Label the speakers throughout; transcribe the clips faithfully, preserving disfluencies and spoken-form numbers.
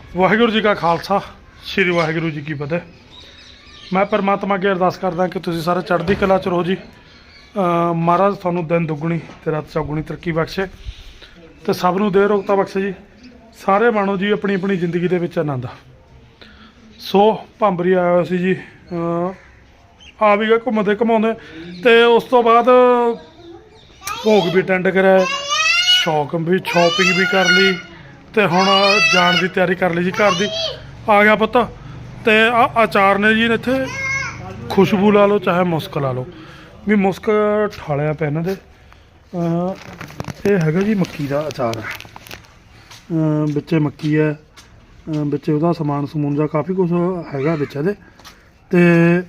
Speaker 1: ਵਾਹਿਗੁਰੂ ਜੀ ਕਾ ਖਾਲਸਾ ਸ਼੍ਰੀ ਵਾਹਿਗੁਰੂ ਜੀ ਕੀ ਫਤਿਹ। ਮੈਂ ਪਰਮਾਤਮਾ ਅੱਗੇ ਅਰਦਾਸ ਕਰਦਾ ਕਿ ਤੁਸੀਂ ਸਾਰੇ ਚੜ੍ਹਦੀ ਕਲਾ ਚ ਰਹੋ ਜੀ। ਅਹ ਮਹਾਰਾਜ ਤੁਹਾਨੂੰ ਦਿਨ ਦੁੱਗਣੀ ਤੇ ਰਾਤ ਚੌਗੁਣੀ ਤਰੱਕੀ ਬਖਸ਼ੇ ਤੇ ਸਭ ਨੂੰ ਦੇ ਰੋਗਤਾ ਬਖਸ਼ੇ ਜੀ। ਸਾਰੇ ਮਾਣੋ ਜੀ ਆਪਣੀ ਆਪਣੀ ਜ਼ਿੰਦਗੀ ਦੇ ਵਿੱਚ ਆਨੰਦ। ਸੋ ਭੰਬਰੀ ਆਇਆ ਹੋਇਆ ਸੀ ਜੀ, ਅਹ ਆ ਵੀ ਗਏ ਘੁੰਮਦੇ ਘੁਮਾਉਂਦੇ ਤੇ ਉਸ ਤੋਂ ਬਾਅਦ ਭੋਗ ਵੀ ਅਟੈਂਡ ਕਰਿਆ, ਸ਼ੌਕ ਵੀ ਸ਼ੋਪਿੰਗ ਵੀ ਕਰ ਲਈ ਤੇ ਹੁਣ ਜਾਣ ਦੀ ਤਿਆਰੀ ਕਰ ਲਈ ਜੀ। ਘਰ ਦੀ ਆ ਗਿਆ ਪੁੱਤ ਤੇ ਆ ਅਚਾਰ ਨੇ ਜੀ ਇੱਥੇ ਖੁਸ਼ਬੂ ਲਾ ਲਓ ਚਾਹੇ ਮੁਸਕ ਲਾ ਲਓ ਵੀ ਮੁਸਕ ਠਾਲਿਆ ਪਿਆ ਇਹਨਾਂ ਦੇ। ਇਹ ਹੈਗਾ ਜੀ ਮੱਕੀ ਦਾ ਅਚਾਰ, ਵਿੱਚੇ ਮੱਕੀ ਹੈ, ਵਿੱਚ ਉਹਦਾ ਸਮਾਨ ਸਮੂਨ ਜਾਂ ਕਾਫੀ ਕੁਝ ਹੈਗਾ ਵਿੱਚ ਇਹਦੇ। ਤੇ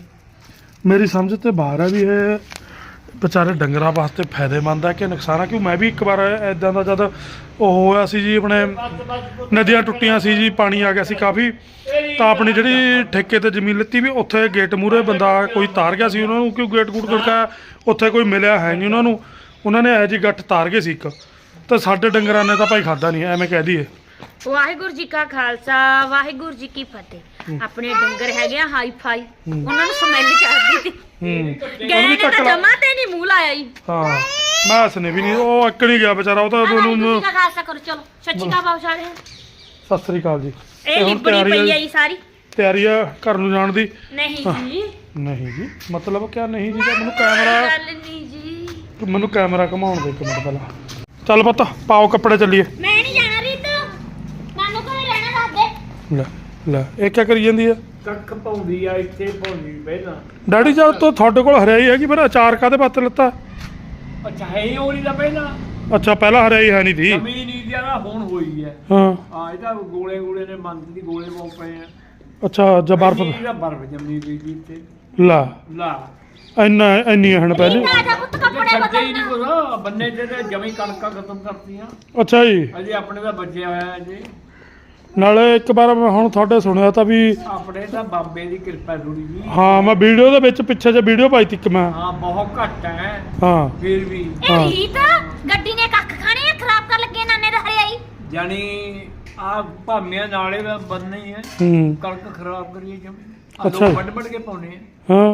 Speaker 1: ਮੇਰੀ ਸਮਝ ਤੇ ਬਾਹਰ ਹੈ ਵੀ ਇਹ ਵਿਚਾਰੇ ਡੰਗਰਾਂ ਵਾਸਤੇ ਫਾਇਦੇਮੰਦ ਹੈ ਕਿ ਨੁਕਸਾਨ ਹੈ। ਕਿਉਂ ਮੈਂ ਵੀ ਇੱਕ ਵਾਰ ਇੱਦਾਂ ਦਾ ਜਦ ਉਹ ਹੋਇਆ ਸੀ ਜੀ, ਆਪਣੇ ਨਦੀਆਂ ਟੁੱਟੀਆਂ ਸੀ ਜੀ, ਪਾਣੀ ਆ ਗਿਆ ਸੀ ਕਾਫੀ, ਤਾਂ ਆਪਣੀ ਜਿਹੜੀ ਠੇਕੇ ਤੇ ਜ਼ਮੀਨ ਲਿੱਤੀ ਵੀ ਉੱਥੇ ਗੇਟ ਮੂਹਰੇ ਬੰਦਾ ਕੋਈ ਤਾਰ ਗਿਆ ਸੀ ਉਹਨਾਂ ਨੂੰ। ਕਿਉਂ ਗੇਟ ਗੂਟ ਖੜਕਾਇਆ, ਉੱਥੇ ਕੋਈ ਮਿਲਿਆ ਹੈ ਨਹੀਂ ਉਹਨਾਂ ਨੂੰ, ਉਹਨਾਂ ਨੇ ਇਹੋ ਜਿਹੀ ਗੱਠ ਤਾਰ ਗਏ ਸੀ ਇੱਕ। ਤਾਂ ਸਾਡੇ ਡੰਗਰਾਂ ਨੇ ਤਾਂ ਭਾਈ ਖਾਦਾ ਨਹੀਂ, ਐਵੇਂ ਕਹਿ ਦਈਏ।
Speaker 2: ਵਾਹਿਗੁਰੂ ਜੀ ਕਾ ਖਾਲਸਾ ਵਾਹਿਗੁਰੂ ਜੀ ਕੀ ਫਤਿਹ। ਆਪਣੇ ਡੰਗਰ ਹੈਗੇ ਆ ਹਾਈ ਫਾਈ, ਉਹਨਾਂ ਨੂੰ ਸਮੈਲ ਚੜਦੀ ਸੀ।
Speaker 1: ਹੂੰ
Speaker 2: ਗਏ ਨੇ ਤਾਂ ਜਮਾ ਤੇ ਨਹੀਂ ਮੂੰਹ ਲਾਇਆ ਜੀ।
Speaker 1: ਹਾਂ ਮੈਂ ਹੱਸਨੇ ਵੀ ਨਹੀਂ, ਉਹ ਇੱਕ ਨਹੀਂ ਗਿਆ ਵਿਚਾਰਾ, ਉਹ ਤਾਂ ਉਹਨੂੰ।
Speaker 2: ਵਾਹਿਗੁਰੂ ਜੀ ਕਾ ਖਾਲਸਾ ਕਰੋ, ਚਲੋ ਸੱਚੀ ਕਾ ਬਾਉ ਸਾਰੇ
Speaker 1: ਸਤਿ ਸ੍ਰੀ ਅਕਾਲ ਜੀ।
Speaker 2: ਇਹ ਲਿਬੜੀ ਪਈ ਆ ਜੀ ਸਾਰੀ
Speaker 1: ਤਿਆਰੀ ਆ ਘਰ ਨੂੰ ਜਾਣ ਦੀ।
Speaker 2: ਨਹੀਂ ਜੀ
Speaker 1: ਨਹੀਂ ਜੀ ਮਤਲਬ ਕਿਆ ਨਹੀਂ ਜੀ? ਤਾਂ ਮੈਨੂੰ ਕੈਮਰਾ
Speaker 2: ਗੱਲ ਨਹੀਂ ਜੀ,
Speaker 1: ਮੈਨੂੰ ਕੈਮਰਾ ਘਮਾਉਣ ਦੇ ਇੱਕ ਮਿੰਟ ਪਹਿਲਾਂ। ਚੱਲ ਪੁੱਤ ਪਾਓ ਕੱਪੜੇ ਚੱਲੀਏ।
Speaker 2: ਮੈਂ ਨਹੀਂ ਜਾਣਾ ਰੀਤ, ਨਾਨੂ ਕੋਲ ਰਹਿਣਾ ਦੱਸ ਦੇ।
Speaker 1: ਲੈ ਲੈ ਇਹ ਕੀ ਕਰੀ ਜਾਂਦੀ ਆ?
Speaker 3: ਕੱਖ ਪਾਉਂਦੀ ਆ ਇੱਥੇ ਪਾਉਂਦੀ ਪਹਿਲਾਂ।
Speaker 1: ਡੈਡੀ ਜਦ ਤੋਂ ਤੁਹਾਡੇ ਕੋਲ ਹਰਿਆਈ ਹੈਗੀ ਫਿਰ ਅਚਾਰ ਕਾਹਦੇ ਵਾਸਤੇ ਲੱਤਾ?
Speaker 3: ਅੱਛਾ ਹੈ ਹੀ ਹੋਣੀ ਦਾ ਪਹਿਲਾਂ
Speaker 1: ਅੱਛਾ ਪਹਿਲਾਂ ਹਰਿਆਈ ਹੈ ਨਹੀਂ ਸੀ।
Speaker 3: ਜ਼ਮੀਨ ਨਹੀਂ ਦਿਆ ਹੁਣ ਹੋਈ ਹੈ।
Speaker 1: ਹਾਂ
Speaker 3: ਹਾਂ ਇਹਦਾ ਗੋਲੇ ਗੋਲੇ ਨੇ ਮੰਦ ਦੀ ਗੋਲੇ ਬਹੁਤ ਪਏ ਆ।
Speaker 1: ਅੱਛਾ ਜਾਂ ਬਰਫ
Speaker 3: ਇਹਦਾ ਬਰਫ ਜੰਮੀ ਪਈ ਜੀ ਇੱਥੇ।
Speaker 1: ਲਾ
Speaker 3: ਲਾ
Speaker 1: ਇੰਨਾ ਇੰਨੀ ਹਣ ਪਹਿਲੇ।
Speaker 2: ਆ ਜਾ ਪੁੱਤ ਕੱਪੜੇ
Speaker 3: ਛੱਡੇ ਹੀ ਨਹੀਂ
Speaker 2: ਬਦਲਣਾ।
Speaker 3: ਕੁਛ, ਬੰਨੇ ਤੇ ਤੇ ਜਮੀ ਕਣਕਾਂ ਖਤਮ ਕਰਤੀਆਂ।
Speaker 1: ਅੱਛਾ ਜੀ।
Speaker 3: ਅਜੇ ਆਪਣੇ ਦਾ ਬਚਿਆ ਹੋਇਆ ਅਜੇ।
Speaker 1: ਨਾਲੇ ਇੱਕ ਵਾਰ ਮੈਂ ਹੁਣ ਤੁਹਾਡੇ ਸੁਣਿਆ ਤਾਂ ਵੀ
Speaker 3: ਆਪਣੇ ਤਾਂ ਬਾਬੇ ਦੀ ਕਿਰਪਾ ਥੋੜੀ ਜੀ।
Speaker 1: ਹਾਂ ਮੈਂ ਵੀਡੀਓ ਦੇ ਵਿੱਚ ਪਿੱਛੇ ਜੇ ਵੀਡੀਓ ਪਾਈ ਤੀ ਇੱਕ ਮੈਂ।
Speaker 3: ਹਾਂ ਬਹੁਤ ਘੱਟ ਹੈ
Speaker 1: ਹਾਂ
Speaker 3: ਫਿਰ ਵੀ।
Speaker 2: ਇਹ ਰੀਤ ਗੱਡੀ ਨੇ ਕੱਖ ਖਾਣੇ ਆ, ਖਰਾਬ ਕਰ ਲੱਗੇ ਨਾਨੇ ਦਾ ਹਰਿਆਈ।
Speaker 3: ਜਾਨੀ ਆ ਭਾਮਿਆਂ ਨਾਲੇ ਦਾ ਬੰਨ ਹੀ ਹੈ।
Speaker 1: ਹੂੰ
Speaker 3: ਕਣਕ ਖਰਾਬ ਕਰੀਏ ਜਮੀ।
Speaker 1: ਅੱਛਾ।
Speaker 3: ਵੱਡ ਵੱਡ ਕੇ ਪਾਉਣੇ ਆ।
Speaker 1: ਹਾਂ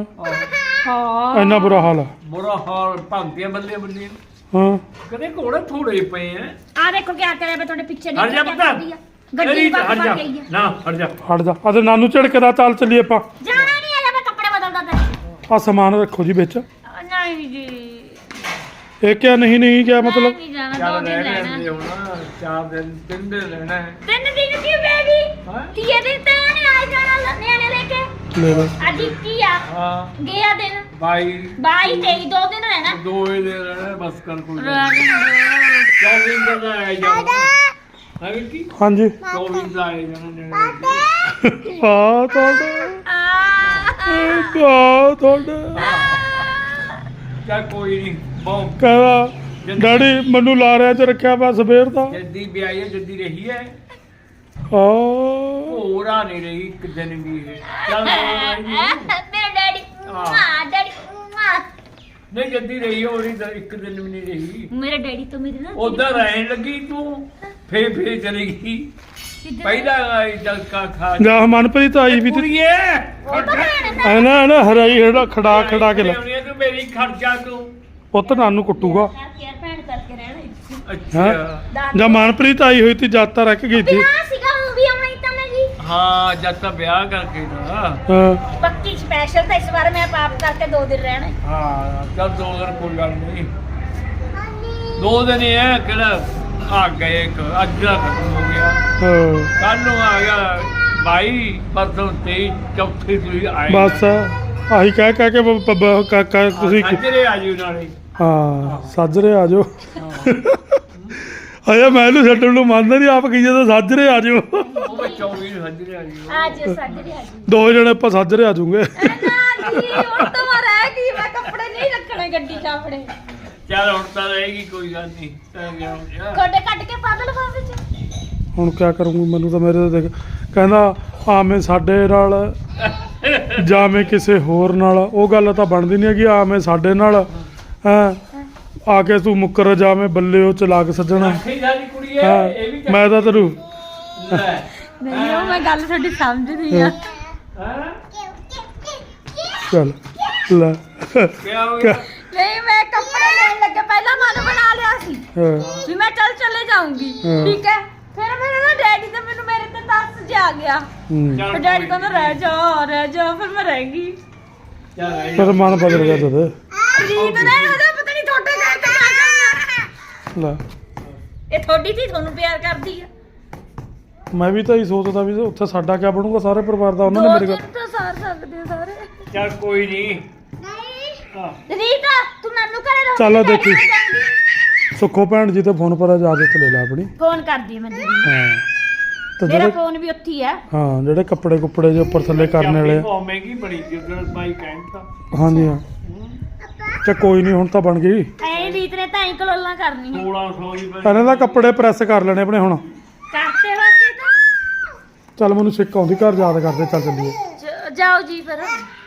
Speaker 3: ਹਾਂ
Speaker 1: ਇੰਨਾ ਬੁਰਾ ਹਾਲ ਆ।
Speaker 3: ਬੁਰਾ ਹਾਲ ਭੰਗਦੇ ਬੱਲੇ ਬੱਲੇ।
Speaker 1: ਹਾਂ
Speaker 3: ਕਦੇ ਘੋੜੇ ਥੋੜੇ ਪਏ ਆ।
Speaker 2: ਆ ਦੇਖੋ ਕੀ ਕਰਿਆ ਮੈਂ ਤੁਹਾਡੇ ਪਿੱਛੇ
Speaker 3: ਹਟ ਜਾ
Speaker 2: ਕਿਆ
Speaker 3: ਪੁੱਤ।
Speaker 2: ਕਰਦੀ ਆ। ਗੱਡੀ ਪਾ
Speaker 3: ਹਟ ਜਾ
Speaker 2: ਕੇ ਗਈ ਆ।
Speaker 3: ਨਾ ਹਟ ਜਾ।
Speaker 1: ਹਟ ਜਾ ਅਦੇ ਨਾਨੂ ਝੜਕਦਾ। ਚੱਲ ਚੱਲੀਏ ਆਪਾਂ।
Speaker 2: ਜਾਣਾ ਨਹੀਂ ਆ, ਮੈਂ ਕੱਪੜੇ ਬਦਲਦਾ ਤੇ।
Speaker 1: ਆ ਸਮਾਨ ਰੱਖੋ ਜੀ ਵਿੱਚ।
Speaker 2: ਨਹੀਂ ਜੀ
Speaker 1: ਇਹ ਕਿਆ ਨਹੀਂ ਨਹੀਂ ਕਿਆ ਮਤਲਬ?
Speaker 2: ਨਹੀਂ ਜਾਣਾ, ਦੋ
Speaker 3: ਚੱਲ
Speaker 2: ਦਿਨ
Speaker 3: ਰਹਿ
Speaker 2: ਲੈਣਾ।
Speaker 3: ਲੈਂਦੇ ਹੁਣ ਚਾਰ ਦਿਨ ਤਿੰਨ ਦਿਨ ਰਹਿਣਾ ਹੈ।
Speaker 2: ਤਿੰਨ ਦਿਨ ਕੀ ਬੇਬੀ?
Speaker 3: ਹਾਂ
Speaker 2: ਤੀਏ ਦਿਨ ਤੇ ਨੇ ਆ ਜਾਣਾ ਨਿਆਣੇ ਲੈ ਕੇ।
Speaker 1: ਲੈ ਲੈ
Speaker 2: ਅੱਜ ਕੀ ਆ
Speaker 3: ਹਾਂ
Speaker 2: ਗਿਆ ਦਿਨ
Speaker 3: ਬਾਈ
Speaker 2: ਬਾਈ ਤੇਈ, ਦੋ ਦਿਨ ਰਹਿਣਾ।
Speaker 3: ਦੋ ਹੀ ਦਿਨ ਰਹਿਣਾ ਬਸ ਕਰ ਕੋਈ
Speaker 2: ਰਹਿਣ ਦਿਓ।
Speaker 3: ਚੌਵੀ ਦਿਨ ਦਾ ਆਇਆ ਜਾਣਾ ਹੈ ਕੀ।
Speaker 1: ਹਾਂਜੀ
Speaker 3: ਚੌਵੀ ਦਾ ਆਇਆ ਜਾਣਾ ਨੇੜੇ।
Speaker 1: ਆ ਤੁਹਾਡਾ
Speaker 2: ਆ
Speaker 1: ਆ ਤੁਹਾਡਾ
Speaker 3: ਚੱਲ ਕੋਈ ਨਹੀਂ ਬਹੁਤ
Speaker 1: ਕਹਿੰਦਾ ਡੈਡੀ ਮੈਨੂੰ ਲਾਰਿਆਂ 'ਚ ਰੱਖਿਆ ਵਾ ਸਵੇਰ ਦਾ।
Speaker 3: ਜੱਦੀ ਵਿਆਹੀ ਹੈ ਜੱਦੀ ਰਹੀ ਹੈ।
Speaker 1: ਆ
Speaker 3: ਹੋਰਾ ਨਹੀਂ ਰਹੀ ਇੱਕ ਦਿਨ ਵੀ ਇਹ। ਚੱਲ ਕੋਈ ਨੀ।
Speaker 2: ਮੇਰਾ ਡੈਡੀ ਮਾਂ ਡੈਡੀ ਮਾਂ
Speaker 3: ਨਹੀਂ ਜੱਦੀ ਰਹੀ ਹੋਰੀ ਤਾਂ ਇੱਕ ਦਿਨ ਵੀ ਨਹੀਂ ਰਹੀ।
Speaker 2: ਮੇਰਾ ਡੈਡੀ ਤੋਂ ਮੇਰੇ ਨਾਲ
Speaker 3: ਉਧਰ ਰਹਿਣ ਲੱਗੀ ਤੂੰ ਫੇਰ ਫੇਰ ਚਲੀ ਗਈ। ਪਹਿਲਾਂ ਜਲ ਕਾ ਖਾ
Speaker 1: ਜਾ ਮਨਪ੍ਰੀਤ ਆਈ ਵੀ ਤੇ
Speaker 3: ਕੁੜੀਏ
Speaker 1: ਐਨਾ ਨਾ ਹਰਾਈ ਹੜਾ ਖੜਾ ਖੜਾ ਕੇ ਲੈ।
Speaker 3: ਤੂੰ ਮੇਰੀ ਖਰਚਾ ਤੂੰ
Speaker 1: ਪੁੱਤ ਨਾਨੂ ਕੁੱਟੂਗਾ।
Speaker 2: ਕੇਅਰ ਭੈਣ ਕਰਕੇ ਰਹਿਣਾ।
Speaker 3: ਅੱਛਾ
Speaker 1: ਜਾਂ ਮਨਪ੍ਰੀਤ ਆਈ ਹੋਈ ਤੀ ਜਦ ਤਾਂ ਰੱਖ ਗਈ ਸੀ।
Speaker 2: ਵਿਆਹ ਸੀਗਾ, ਉਹ ਵੀ ਆਉਣਾ ਹੀ ਤਾਂ ਮੈਂ ਜੀ।
Speaker 3: ਹਾਂ ਜਦ ਤਾਂ ਵਿਆਹ ਕਰਕੇ ਨਾ।
Speaker 1: ਹਾਂ
Speaker 2: ਪੱਕੀ ਸਪੈਸ਼ਲ ਤਾਂ ਇਸ ਵਾਰ ਮੈਂ ਪਾਪ ਕਰਕੇ ਦੋ ਦਿਨ ਰਹਿਣਾ।
Speaker 3: ਹਾਂ ਚੱਲ ਦੋ ਦਿਨ ਕੋਈ ਗੱਲ ਨਹੀਂ। ਦੋ ਦਿਨ ਹੀ ਹੈ ਕਿਹੜਾ ਆ ਗਏ ਇੱਕ ਅੱਜ ਦਾ ਖਤਮ ਹੋ ਗਿਆ।
Speaker 1: ਹਾਂ
Speaker 3: ਕੱਲ ਨੂੰ ਆ ਗਿਆ ਬਾਈ ਪਰਸੋਂ ਤੇਈ ਚੌਥੀ ਤੁਸੀਂ ਆਏ।
Speaker 1: ਬਸ ਆਹੀ ਕਹਿ ਕਹਿ ਕੇ ਬ- ਬ- ਬ- ਕ- ਕ- ਤੁਸੀਂ
Speaker 3: ਅੱਜਰੇ ਆ ਜਿਓ ਨਾਲੇ।
Speaker 1: ਹਾਂ ਸਾਜਰੇ ਆ ਜਾਓ। ਅਜੇ ਮੈਂ ਇਹਨੂੰ ਛੱਡਣ ਨੂੰ ਮੰਨਦਾ ਨਹੀਂ, ਆਪ ਕਹੀ ਜਦੋਂ ਸਾਜਰੇ ਆ ਜਾਓ।
Speaker 3: ਉਹ ਮੈਂ ਚੌਵੀ ਨੂੰ ਹੱਜਰੇ ਆ ਜਿਓ।
Speaker 2: ਅੱਜ ਸਾਡੇ ਆ ਜੀ
Speaker 1: ਦੋ ਜਣੇ ਆਪਾਂ ਸਾਜਰੇ ਆ ਜਾਊਂਗੇ।
Speaker 2: ਨਾ ਜੀ ਹੁਣ ਤਾਂ ਮੈਂ ਰਹਿ ਗਈ, ਮੈਂ ਕੱਪੜੇ ਨਹੀਂ ਰੱਖਣੇ ਗੱਡੀ 'ਚ ਆਪਣੇ।
Speaker 3: ਚੱਲ ਹੁਣ ਤਾਂ ਰਹੇਗੀ ਕੋਈ ਗੱਲ ਨਹੀਂ। ਤਾਂ ਗਿਆ ਹੋ ਗਿਆ।
Speaker 2: ਗੋਡੇ ਕੱਟ ਕੇ ਪਾ ਦੇ ਲਿਫਾਫੇ 'ਚ।
Speaker 1: ਹੁਣ ਕਿਆ ਕਰੂੰਗੀ? ਮੈਨੂੰ ਤਾਂ ਮੇਰੇ ਤਾਂ ਦੇਖ ਕਹਿੰਦਾ ਆਵੇਂ ਸਾਡੇ ਨਾਲ ਜਾਵੇਂ ਕਿਸੇ ਹੋਰ ਨਾਲ, ਉਹ ਗੱਲ ਤਾਂ ਬਣਦੀ ਨਹੀਂ ਹੈਗੀ। ਆਵੇਂ ਸਾਡੇ ਨਾਲ ਹੈਂ ਆ ਕੇ ਤੂੰ ਮੁੱਕਰ ਜਾਵੇਂ ਬੱਲੇ ਉਹ ਚਲਾਕ ਸੱਜਣਾ।
Speaker 3: ਆਖੀ ਸਾਡੀ ਕੁੜੀ ਹੈ
Speaker 1: ਹਾਂ
Speaker 3: ਇਹ ਵੀ
Speaker 1: ਮੈਂ ਤਾਂ ਤੈਨੂੰ
Speaker 3: ਲੈ
Speaker 2: ਨਹੀਂ ਉਹ ਮੈਂ ਗੱਲ ਤੁਹਾਡੀ ਸਮਝਦੀ ਆ
Speaker 3: ਹੈ
Speaker 1: ਚੱਲ ਲੈ
Speaker 3: ਕੀ ਹੋ ਗਿਆ
Speaker 2: ਨਹੀਂ ਮੈਂ ਕੱਪੜੇ ਲੈਣ ਲੱਗੇ ਪਹਿਲਾਂ ਮਨ ਬਣਾ ਲਿਆ ਸੀ
Speaker 1: ਹਾਂ,
Speaker 2: ਵੀ ਮੈਂ ਚੱਲ ਚਲੇ ਜਾਊਂਗੀ
Speaker 1: ਹਾਂ।
Speaker 2: ਠੀਕ ਹੈ ਫਿਰ ਮੇਰੇ ਨਾ ਡੈਡੀ ਤੇ ਮੈਨੂੰ ਮੇਰੇ ਤੇ ਤਰਸ ਜਿਹਾ ਆ ਗਿਆ
Speaker 1: ਹੂੰ।
Speaker 2: ਫਿਰ ਡੈਡੀ ਕਹਿੰਦਾ ਰਹਿ ਜਾ ਰਹਿ ਜਾ ਫਿਰ ਮੈਂ ਰਹਿ ਗਈ
Speaker 3: ਚੱਲ
Speaker 1: ਫਿਰ ਮਨ ਬਦਲ ਗਿਆ ਤਦ
Speaker 2: ਰੀਤ ਨੇ ਉਹਦਾ ਪਤਾ ਨਹੀਂ ਤੁਹਾਡੇ ਘਰ ਤੇ ਆ ਕਰਨਾ
Speaker 1: ਲੈ
Speaker 2: ਇਹ ਤੁਹਾਡੀ ਧੀ ਤੁਹਾਨੂੰ ਪਿਆਰ ਕਰਦੀ ਆ
Speaker 1: ਮੈਂ ਵੀ ਤਾਂ ਹੀ ਸੋਚਦਾ ਵੀ ਉੱਥੇ ਸਾਡਾ ਕਿਆ ਬਣੂਗਾ ਸਾਰੇ ਪਰਿਵਾਰ ਦਾ ਉਹਨਾਂ ਨੇ
Speaker 2: ਦੋ
Speaker 1: ਮੇਰੇ
Speaker 2: ਦਿਨ
Speaker 1: ਕੋਲ
Speaker 2: ਤਾਂ ਸਾਰ ਸਕਦੇ ਆ ਸਾਰੇ
Speaker 3: ਚੱਲ ਕੋਈ ਨਹੀਂ ਹਾਂ
Speaker 2: ਰੀਤ ਤੂੰ ਨਾਨੂ ਘਰੇ ਰਹੋ
Speaker 1: ਚੱਲ ਦੇਖੀ ਸੁੱਖੋ ਭੈਣ ਜੀ ਤੇ ਫੋਨ ਪਰ ਇਜਾਜ਼ਤ ਲੈ ਲੈ ਆਪਣੀ
Speaker 2: ਫੋਨ ਕਰਦੀ ਮੈਂ ਦੀਦੀ ਨੂੰ।
Speaker 1: ਹਾਂ ਤੇ
Speaker 2: ਮੇਰਾ
Speaker 1: ਜਿਹੜੇ
Speaker 2: ਫੋਨ ਵੀ ਉੱਥੇ ਹੀ ਆ
Speaker 1: ਹਾਂ ਜਿਹੜੇ ਕੱਪੜੇ ਕੁੱਪੜੇ ਜੇ ਉੱਪਰ ਥੱਲੇ ਕਰਨ ਵਾਲੇ ਆ।
Speaker 3: ਬਹੁਤ ਮਹਿੰਗੀ ਬੜੀ ਜਿੱਦਾਂ ਬਾਈ ਕਹਿੰਦਾ
Speaker 1: ਹਾਂਜੀ ਹਾਂ ਤੇ ਕੋਈ ਨਹੀਂ ਹੁਣ ਤਾਂ ਬਣ ਗਈ
Speaker 2: ਐ ਰੀਤ ਨੇ ਤਾਂ ਐਂ ਕਲੋਲਾਂ ਕਰਨੀਆਂ
Speaker 3: ਸੋਲਾਂ ਸੌ ਹੀ ਬਣੀ
Speaker 1: ਇਹਨਾਂ ਦਾ ਕੱਪੜੇ ਪ੍ਰੈਸ ਕਰ ਲੈਣੇ ਆਪਣੇ ਹੁਣ
Speaker 2: ਕਰਤੇ ਵਾਸਤੇ ਤਾਂ
Speaker 1: ਚੱਲ ਮੈਨੂੰ ਸਿੱਕ ਆਉਂਦੀ ਘਰ ਯਾਦ ਕਰਦੇ ਚੱਲ ਚੱਲੀਏ
Speaker 2: ਜ- ਜਾਓ ਜੀ ਫਿਰ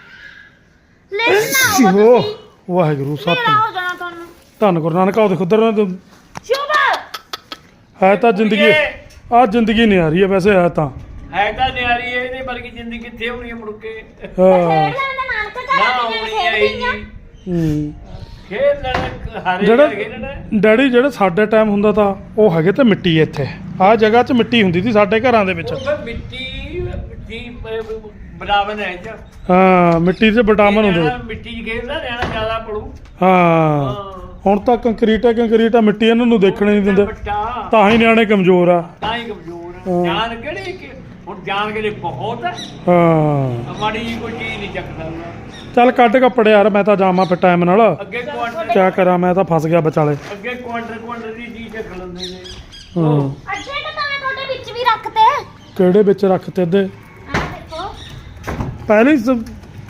Speaker 2: ਲੈ ਨਾ
Speaker 1: ਓ ਵਾਹਿਗੁਰੂ
Speaker 2: ਮੇਰਾ
Speaker 1: ਸਤਿ
Speaker 2: ਹੋ ਜਾਣਾ ਤੁਹਾਨੂੰ
Speaker 1: ਧੰਨ ਗੁਰੂ ਨਾਨਕ ਆਉ ਦੇਖੋ ਉਧਰ
Speaker 2: ਸ਼ੁਭ
Speaker 1: ਹੈ ਤਾਂ ਜ਼ਿੰਦਗੀ ਆ ਜ਼ਿੰਦਗੀ ਨਹੀਂ ਆ ਰਹੀ ਹੈ ਵੈਸੇ ਹੈ ਤਾਂ
Speaker 3: ਹੈ ਤਾਂ ਨਿਆਰੀ ਹੈ ਇਹਦੇ ਵਰਗੀ ਜ਼ਿੰਦਗੀ ਕਿੱਥੇ ਹੋਣੀ ਹੈ ਮੁੜ ਕੇ
Speaker 1: ਹਾਂ
Speaker 2: ਖੇਡ ਲੈਂਦਾ ਨਾਨਕ
Speaker 3: ਨਾ
Speaker 2: ਘਰ
Speaker 3: ਹੋਣੀ
Speaker 2: ਖੇਡ
Speaker 3: ਹੈ
Speaker 2: ਗਈਆਂ
Speaker 3: ਜੀ
Speaker 1: ਹੂੰ
Speaker 3: ਖੇਡ ਲੈਣਾ ਹਾਰੇ
Speaker 1: ਜਿਹੜਾ
Speaker 3: ਖੇਡਣਾ
Speaker 1: ਡੈਡੀ ਜਿਹੜੇ ਸਾਡੇ ਟਾਈਮ ਹੁੰਦਾ ਤਾਂ ਉਹ ਹੈਗੇ ਤੇ ਮਿੱਟੀ ਇੱਥੇ ਆਹ ਜਗ੍ਹਾ 'ਚ ਮਿੱਟੀ ਹੁੰਦੀ ਸੀ ਸਾਡੇ ਘਰਾਂ ਦੇ ਵਿੱਚ
Speaker 3: ਉਹ ਫਿਰ ਮਿੱਟੀ ਮਿੱਟੀ ਬਰਾਬਰ ਹੈ ਜੀ
Speaker 1: ਹਾਂ ਮਿੱਟੀ 'ਚ ਵਿਟਾਮਿਨ ਹੁੰਦੇ
Speaker 3: ਨਿਆਣਾ ਮਿੱਟੀ 'ਚ ਖੇਡਦਾ ਨਿਆਣਾ ਜ਼ਿਆਦਾ ਪੜੂ
Speaker 1: ਹਾਂ ਹੁਣ ਤਾਂ ਕੰਕਰੀਟ ਹੈ ਕੰਕਰੀਟ ਆ ਮਿੱਟੀ ਇਹਨਾਂ ਨੂੰ ਦੇਖਣੇ ਨਹੀਂ ਦਿੰਦੇ
Speaker 3: ਬੱਟਾ
Speaker 1: ਤਾਂ ਹੀ ਨਿਆਣੇ ਕਮਜ਼ੋਰ ਆ
Speaker 3: ਤਾਂ ਹੀ ਕਮਜ਼ੋਰ
Speaker 1: ਹਾਂ।
Speaker 3: ਹੈ ਜਾਨ ਕਿਹੜੀ ਕਿ ਹੁਣ ਜਾਨ ਕਿਹੜੇ ਬਹੁਤ ਹੈ
Speaker 1: ਹਾਂ
Speaker 3: ਮਾੜੀ ਜਿਹੀ ਕੋਈ ਚੀਜ਼ ਨਹੀਂ ਚੱਕ ਸਕਦਾ
Speaker 1: ਚੱਲ ਕੱਢ ਕੱਪੜੇ ਯਾਰ ਮੈਂ ਤਾਂ ਜਾਵਾਂ ਫਿਰ ਟਾਈਮ ਨਾਲ
Speaker 3: ਅੱਗੇ ਕੁਆਂਟਰ
Speaker 1: ਕਿਆ ਕਰਾਂ ਮੈਂ ਤਾਂ ਫਸ ਗਿਆ ਵਿਚਾਲੇ
Speaker 3: ਅੱਗੇ ਕੁਆਂਟਰ ਕੁਆਂਟਰ ਦੀ ਚੀਜ਼ ਚੱਕ ਲੈਂਦੇ ਨੇ
Speaker 1: ਹਾਂ
Speaker 2: ਅੱਛੇ ਤਾਂ ਮੈਂ ਤੁਹਾਡੇ ਵਿੱਚ ਵੀ ਰੱਖਤੇ
Speaker 1: ਕਿਹੜੇ ਵਿੱਚ ਰੱਖਤੇ ਦੇ
Speaker 2: ਆ ਦੇਖੋ
Speaker 1: ਪਹਿਲੇ ਹੀ ਸ-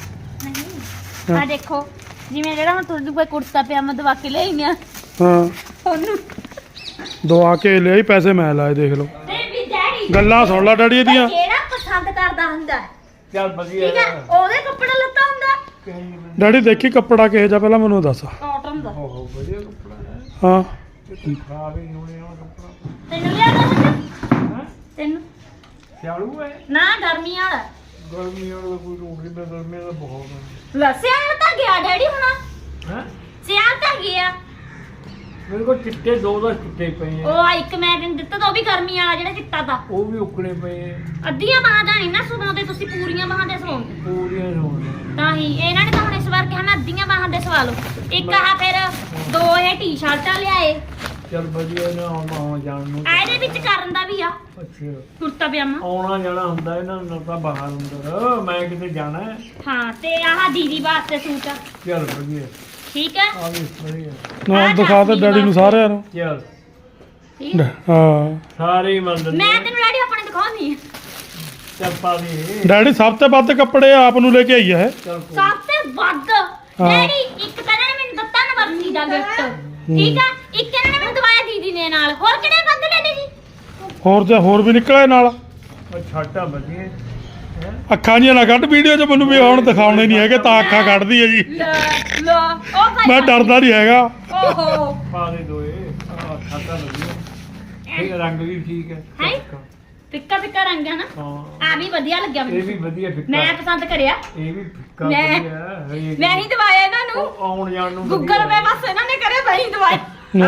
Speaker 2: ਨਹੀਂ ਆ ਦੇਖੋ ਜਿਵੇਂ ਜਿਹੜਾ ਹੁਣ ਤੁਹਾਡੇ ਕੋਲ ਕੁੜਤਾ ਪਜਾਮਾ ਦਵਾ ਕੇ ਲਿਆਈ ਆ
Speaker 1: ਹਾਂ
Speaker 2: ਉਹਨੂੰ
Speaker 1: ਦਵਾ ਕੇ ਲਿਆਈ ਪੈਸੇ ਮੈਂ ਲਾਏ ਦੇਖ ਲਓ
Speaker 2: ਤੇ ਵੀ ਡੈਡੀ
Speaker 1: ਗੱਲਾਂ ਸੁਣ ਲੈ ਡੈਡੀ ਇਹਦੀਆਂ
Speaker 2: ਜਿਹੜਾ ਪਸੰਦ ਕਰਦਾ ਹੁੰਦਾ ਹੈ,
Speaker 3: ਚੱਲ ਵਧੀਆ
Speaker 2: ਠੀਕ ਹੈ ਉਹਦੇ ਕੱਪੜਾ ਲੱਤਾ ਹੁੰਦਾ
Speaker 1: ਡੈਡੀ ਦੇਖੀ ਕੱਪੜਾ ਕਿਹੋ ਜਿਹਾ ਪਹਿਲਾਂ ਮੈਨੂੰ ਦੱਸ
Speaker 2: ਕਾਟਨ ਦਾ
Speaker 3: ਓਹੋ ਵਧੀਆ ਕੱਪੜਾ ਹੈ
Speaker 1: ਹਾਂ
Speaker 3: ਇਹ ਖਰਾਬ ਹੀ ਨਹੀਂ ਹੋਣੇ ਵਾਲਾ ਕੱਪੜਾ
Speaker 2: ਤੈਨੂੰ ਲਿਆ ਦੋ
Speaker 3: ਹੈ
Speaker 2: ਤੈਨੂੰ
Speaker 3: ਸਿਆਲੂ ਹੈ
Speaker 2: ਨਾ ਗਰਮੀ ਵਾਲਾ
Speaker 3: ਗਰਮੀ ਵਾਲਾ ਕੋਈ ਰੋੜ ਨਹੀਂ ਗਰਮੀ ਦਾ ਬਹੁਤ ਹੈ
Speaker 2: ਲੈ ਸਿਆਲ ਤਾਂ ਗਿਆ ਡੈਡੀ ਹੁਣ
Speaker 3: ਹੈ
Speaker 2: ਸਿਆਲ ਤਾਂ ਗਿਆ
Speaker 3: ਮੇਰੇ ਕੋਲ ਚਿੱਟੇ ਦੋ ਦੋ ਚਿੱਟੇ ਪਏ ਆ
Speaker 2: ਉਹ ਆ ਇੱਕ ਮੈਂ ਤੈਨੂੰ ਦਿੱਤਾ ਤਾਂ ਉਹ ਵੀ ਗਰਮੀ ਵਾਲਾ ਜਿਹੜਾ ਚਿੱਟਾ ਤਾਂ
Speaker 3: ਉਹ ਵੀ ਉਕਣੇ ਪਏ ਆ
Speaker 2: ਅੱਧੀਆਂ ਬਾਹਾਂ ਦਾ ਨਹੀਂ ਨਾ ਸੁਣਾਉਂਦੇ ਤੁਸੀਂ ਪੂਰੀਆਂ ਬਾਹਾਂ ਦੇ ਸੁਣਾਉਂਦੇ
Speaker 3: ਪੂਰੀਆਂ ਹੋਣ
Speaker 2: ਤਾਂ ਹੀ ਇਹਨਾਂ ਨੇ ਤਾਂ ਹੁਣ ਇਸ ਵਾਰ ਕਿਹਾ ਮੈਂ ਅੱਧੀਆਂ ਬਾਹਾਂ ਦੇ ਸਵਾ ਲਓ ਇੱਕ ਆਹ ਫਿਰ ਦੋ ਇਹ ਟੀ-ਸ਼ਰਟਾਂ ਲਿਆਏ
Speaker 3: ਚੱਲ ਵਧੀਆ ਨਾ ਆਉਣਾ ਜਾਣ ਨੂੰ
Speaker 2: ਆ ਇਹਦੇ ਵਿੱਚ ਕਰਨ ਦਾ ਵੀ ਆ
Speaker 3: ਅੱਛਾ
Speaker 2: ਕੁੜਤਾ ਪਜਾਮਾ
Speaker 3: ਆਉਣਾ ਜਾਣਾ ਹੁੰਦਾ ਇਹਨਾਂ ਨੂੰ ਤਾਂ ਬਾਹਰ ਅੰਦਰ ਮੈਂ ਕਿਤੇ ਜਾਣਾ ਹੈ
Speaker 2: ਹਾਂ ਤੇ ਆਹ ਦੀਦੀ ਵਾਸਤੇ ਸੂਟ ਆ
Speaker 3: ਚੱਲ ਵਧੀਆ
Speaker 2: ਠੀਕ ਹੈ
Speaker 3: ਆ ਵੀ ਵਧੀਆ
Speaker 1: ਨਾ ਦਿਖਾ ਦੇ ਡੈਡੀ ਨੂੰ ਸਾਰਿਆਂ ਨੂੰ
Speaker 3: ਚੱਲ
Speaker 2: ਠੀਕ ਹੈ?
Speaker 1: ਹਾਂ
Speaker 3: ਸਾਰੇ ਹੀ ਮੰਨਦੇ
Speaker 2: ਮੈਂ ਤੈਨੂੰ ਡੈਡੀ ਆਪਣੇ ਦਿਖਾਉਣੀ ਆ
Speaker 3: ਚੱਲ ਪਾ ਦੇ
Speaker 1: ਡੈਡੀ ਸਭ ਤੋਂ ਵੱਧ ਕੱਪੜੇ ਆਪ ਨੂੰ ਲੈ ਕੇ ਆਈ ਹੈ
Speaker 3: ਚੱਲ ਕੋਈ
Speaker 2: ਸਭ ਤੋਂ ਵੱਧ ਡੈਡੀ ਇੱਕ ਤਾਂ ਇਹਨਾਂ ਨੇ ਮੈਨੂੰ ਦਿੱਤਾ ਨਵਰਸੀ ਦਾ ਗਿਫਟ ਠੀਕ ਆ ਇੱਕ ਇਹਨਾਂ ਨੇ ਮੈਨੂੰ ਦਵਾਇਆ ਦੀਦੀ ਨੇ ਨਾਲ ਹੋਰ ਕਿਹੜੇ ਵੱਧ ਡੈਡੀ ਜੀ
Speaker 1: ਹੋਰ ਜੇ ਹੋਰ ਵੀ ਨਿਕਲੇ ਨਾਲ
Speaker 3: ਉਹ ਛਾਟਾ ਵਧੀਆ ਹੈ
Speaker 1: ਅੱਖਾਂ ਜੀਆਂ ਨਾ ਕੱਢ ਵੀਡੀਓ 'ਚ ਮੈਨੂੰ ਵੀ ਹੁਣ ਦਿਖਾਉਣੇ ਨਹੀਂ ਹੈਗੇ ਤਾਂ ਅੱਖਾਂ ਕੱਢਦੀ ਹੈ ਜੀ
Speaker 2: ਲੈ ਲੈ ਉਹ ਭਾਈ
Speaker 1: ਮੈਂ ਡਰਦਾ ਨਹੀਂ ਹੈਗਾ
Speaker 2: ਓਹੋ
Speaker 3: ਪਾ ਦੇ ਦੋਏ ਆ ਛਾਟਾ ਵਧੀਆ ਇਹ ਰੰਗ ਵੀ ਠੀਕ ਹੈ
Speaker 2: ਹੈ ਫਿੱਕਾ ਫਿੱਕਾ ਰੰਗ ਹੈ ਨਾ
Speaker 3: ਹਾਂ
Speaker 2: ਆ ਵੀ ਵਧੀਆ ਲੱਗਿਆ
Speaker 3: ਇਹ ਵੀ
Speaker 2: ਮੈਨੂੰ
Speaker 3: ਵਧੀਆ ਫਿੱਕਾ
Speaker 2: ਮੈਂ ਪਸੰਦ ਕਰਿਆ
Speaker 3: ਇਹ ਵੀ ਫਿੱਕਾ
Speaker 2: ਮੈਂ-
Speaker 3: ਵਧੀਆ ਹੈ ਹਰੇਕ
Speaker 2: ਮੈਂ ਹੀ ਦਵਾਇਆ ਇਹਨਾਂ ਨੂੰ
Speaker 3: ਉਹ ਆਉਣ ਜਾਣ ਨੂੰ
Speaker 2: ਗੂਗਲ ਪੇ ਬਸ ਇਹਨਾਂ ਨੇ ਕਰਿਆ ਮੈਂ ਹੀ ਦਵਾਇਆ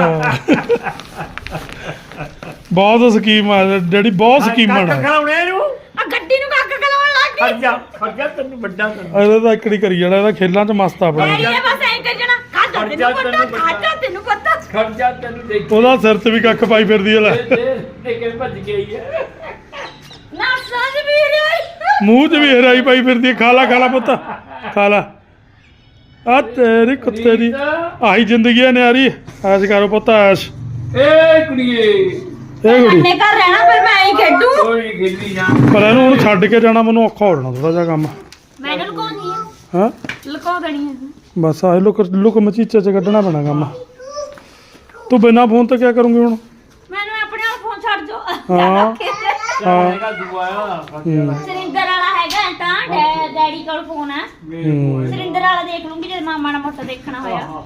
Speaker 1: ਬਹੁਤ ਸਕੀਮ ਆ ਡੈਡੀ ਬਹੁਤ ਸਕੀਮਾਂ
Speaker 3: ਕੱਖ
Speaker 1: ਆ
Speaker 3: ਖਲਾਉਣੇ ਇਹਨੂੰ
Speaker 2: ਆ ਗੱਡੀ ਨੂੰ ਕੱਕ ਕਲਾਉਣ ਲੱਗ ਗਈ
Speaker 3: ਖਰਜਾ ਖਰਜਾ ਤੈਨੂੰ ਵੱਡਾ ਤੈਨੂੰ
Speaker 1: ਇਹਦਾ ਤਾਂ ਇਕੜੀ ਕਰੀ ਜਾਣਾ ਇਹਦਾ ਖੇਲਾਂ 'ਚ ਮਸਤ ਆਪਣਾ
Speaker 2: ਡੈਡੀ ਨੇ ਬਸ ਐਂ ਕਰ ਜਣਾ ਖਾਦਾ ਤੈਨੂੰ ਪਤਾ ਖਾਦਾ ਤੈਨੂੰ ਪਤਾ
Speaker 3: ਖਰਜਾ ਤੈਨੂੰ ਦੇਖ
Speaker 1: ਉਹਦਾ ਸਿਰ 'ਚ ਵੀ ਕੱਖ ਪਾਈ ਫਿਰਦੀ ਹੈ ਲੈ
Speaker 3: ਦੇ ਦੇ ਕੇ ਭੱਜ ਗਈ ਹੈ
Speaker 2: ਨਾ ਸਾਜ ਵੀ ਰਹੀ
Speaker 1: ਮੂੰਹ 'ਚ ਵੀ ਹਰਾਈ ਪਾਈ ਫਿਰਦੀ ਹੈ ਖਾ ਲਾ ਖਾ ਲਾ ਪੁੱਤ ਖਾ ਲਾ ਆ ਤੇਰੀ ਕੁੱਤੇ ਦੀ ਆਹੀ ਜ਼ਿੰਦਗੀ ਹੈ ਨਿਆਰੀ ਐਸ਼ ਕਰੋ ਪੁੱਤ ਐਸ਼
Speaker 3: ਏ ਕੁੜੀਏ
Speaker 1: ਇਹ ਕੁੜੀ
Speaker 2: ਅੰਨੇ ਘਰ ਰਹਿਣਾ ਫਿਰ ਮੈਂ ਹੀ ਖੇਡੂ
Speaker 3: ਕੋਈ ਖੇਲੀ ਜਾ
Speaker 1: ਪਰ ਇਹਨੂੰ ਹੁਣ ਛੱਡ ਕੇ ਜਾਣਾ ਮੈਨੂੰ ਔਖਾ ਹੋ ਜਾਣਾ ਥੋੜਾ ਜਿਹਾ ਕੰਮ
Speaker 2: ਮੈਂ ਇਹਨੂੰ ਲੁਕਾਉਣੀ ਆ
Speaker 1: ਹਾਂ
Speaker 2: ਲੁਕਾ ਦੇਣੀ ਹੈ
Speaker 1: ਬਸ ਆਹ ਲੁਕ ਲੁਕ ਮਚੀਚੇ 'ਚ ਕੱਢਣਾ ਪੈਣਾ ਕੰਮ ਤੂੰ ਬਿਨਾਂ ਫੋਨ ਤੇ ਕੀ ਕਰੂੰਗੀ ਹੁਣ
Speaker 2: ਮੈਨੂੰ ਆਪਣੇ ਆਪ ਫੋਨ ਛੱਡ ਜੋ
Speaker 1: ਹਾਂ। ਹਾਂ।
Speaker 3: ਹੈਗਾ ਦੁਆਇਆ ਖਰਜਾ
Speaker 2: ਸਰਿੰਦਰ ਵਾਲਾ ਹੈਗਾ ਤਾਂ ਡੈ- ਡੈਡੀ ਕੋਲ ਫੋਨ ਹੈ
Speaker 3: ਮੇਰੇ ਕੋਲ
Speaker 2: ਸਰਿੰਦਰ ਵਾਲਾ ਦੇਖ ਲੂੰਗੀ ਜੇ ਮਾਮਾ ਨਾਲ ਮੋਟਾ ਦੇਖਣਾ ਹੋਇਆ
Speaker 1: ਹੂੰ